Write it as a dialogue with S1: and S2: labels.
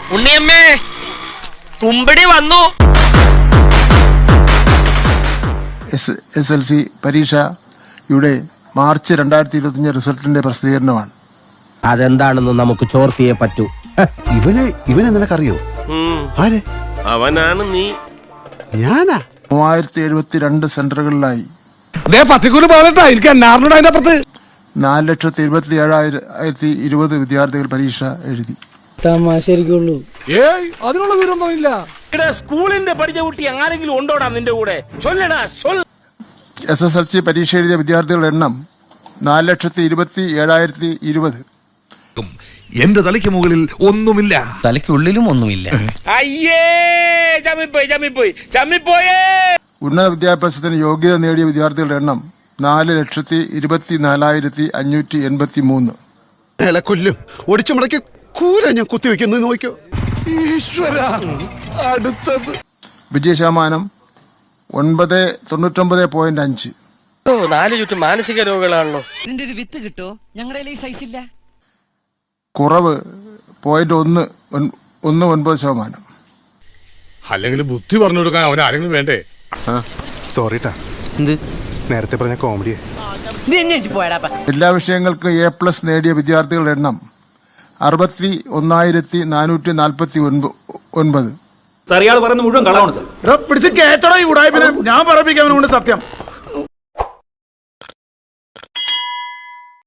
S1: ഉണ്ണിയമ്മേ, കുമ്പടി വന്നു.
S2: SSLC പരീക്ഷയുടെ March 2025 റിസൾട്ടിന്റെ പ്രസിദ്ധീകരണമാണ്.
S3: അതെന്താണെന്ന് നമുക്ക് ചോർത്തിയേ പറ്റൂ.
S4: ഇവനെ നിനക്കറിയോ? ആരെ?
S5: അവനാണ് നീ.
S4: ഞാനാ?
S2: 3072 സെന്ററുകളിലായി 4,27,020 വിദ്യാർത്ഥികൾ പരീക്ഷ എഴുതി.
S6: തമാശരിക്കുള്ളൂ.
S7: അതിനുള്ള വിവരമൊന്നുമില്ല.
S5: സ്കൂളിന്റെ പഠിച്ച കുട്ടി ആരെങ്കിലും ഉണ്ടോടാ നിന്റെ കൂടെ? ചൊല്ലടാ.
S2: SSLC പരീക്ഷ എഴുതിയ വിദ്യാർത്ഥികളുടെ എണ്ണം 4,27,020.
S8: എന്റെ തലയ്ക്ക് മുകളിൽ ഒന്നുമില്ല,
S3: തലയ്ക്കുള്ളിലും ഒന്നുമില്ല.
S5: അയ്യേ, ചമ്മിപ്പോയേ.
S2: ഉന്നത വിദ്യാഭ്യാസത്തിന് യോഗ്യത നേടിയ വിദ്യാർത്ഥികളുടെ എണ്ണം 4,24,583.
S4: കൊല്ലും ഒടിച്ചു മുടക്കി കൂര ഞാൻ കുത്തിവെക്കുന്നത് നോക്കിയോ.
S2: വിജയശതമാനം 99.5.
S1: 4 ചുറ്റും മാനസിക രോഗികളാണല്ലോ.
S6: ഇതിന്റെ ഒരു വിത്ത് കിട്ടോ? ഞങ്ങളുടെ ഈ സൈസ് ഇല്ല.
S2: കുറവ് 0.19%.
S7: അല്ലെങ്കിൽ ബുദ്ധി പറഞ്ഞു കൊടുക്കാൻ അവൻ ആരെങ്കിലും വേണ്ടേ?
S4: സോറിട്ടാ, നേരത്തെ പറഞ്ഞ കോമഡിയെ.
S2: എല്ലാ വിഷയങ്ങൾക്കും A+ നേടിയ വിദ്യാർത്ഥികളുടെ എണ്ണം 61,449.
S7: ഇയാൾ പറയുന്ന മുഴുവൻ കളവാണ് സാർ.
S9: പിടിച്ച് കേട്ടടോ ഈ ഉടായ്പിനെ. ഞാൻ പറയിപ്പിക്കാൻ സത്യം.